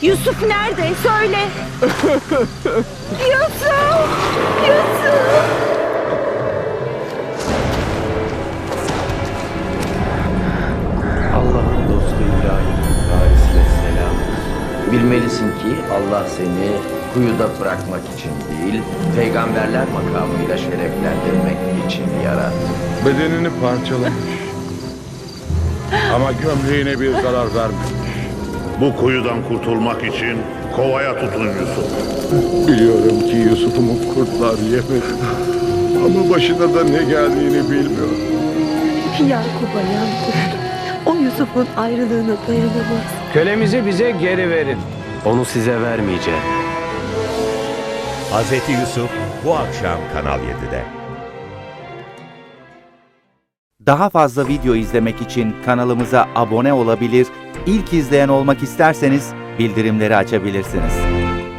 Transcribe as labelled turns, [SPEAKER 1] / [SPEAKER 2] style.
[SPEAKER 1] Yusuf nerede? Söyle. Yusuf! Yusuf!
[SPEAKER 2] Allah'ın dostu İbrahim'in varisine selam.
[SPEAKER 3] Bilmelisin ki Allah seni kuyuda bırakmak için değil, peygamberler makamıyla şereflendirmek için yarattı.
[SPEAKER 4] Bedenini parçalamış. Ama gömleğine bir zarar vermemiş.
[SPEAKER 5] Bu kuyudan kurtulmak için kovaya tutun Yusuf.
[SPEAKER 4] Biliyorum ki Yusuf'umu kurtlar yemedi. Ama başına da ne geldiğini bilmiyorum.
[SPEAKER 6] Yakup'a yan tuttu. O Yusuf'un ayrılığına dayanamaz.
[SPEAKER 2] Kölemizi bize geri verin. Onu size vermeyeceğim.
[SPEAKER 7] Hazreti Yusuf bu akşam Kanal 7'de.
[SPEAKER 8] Daha fazla video izlemek için kanalımıza abone olabilir, ilk izleyen olmak isterseniz bildirimleri açabilirsiniz.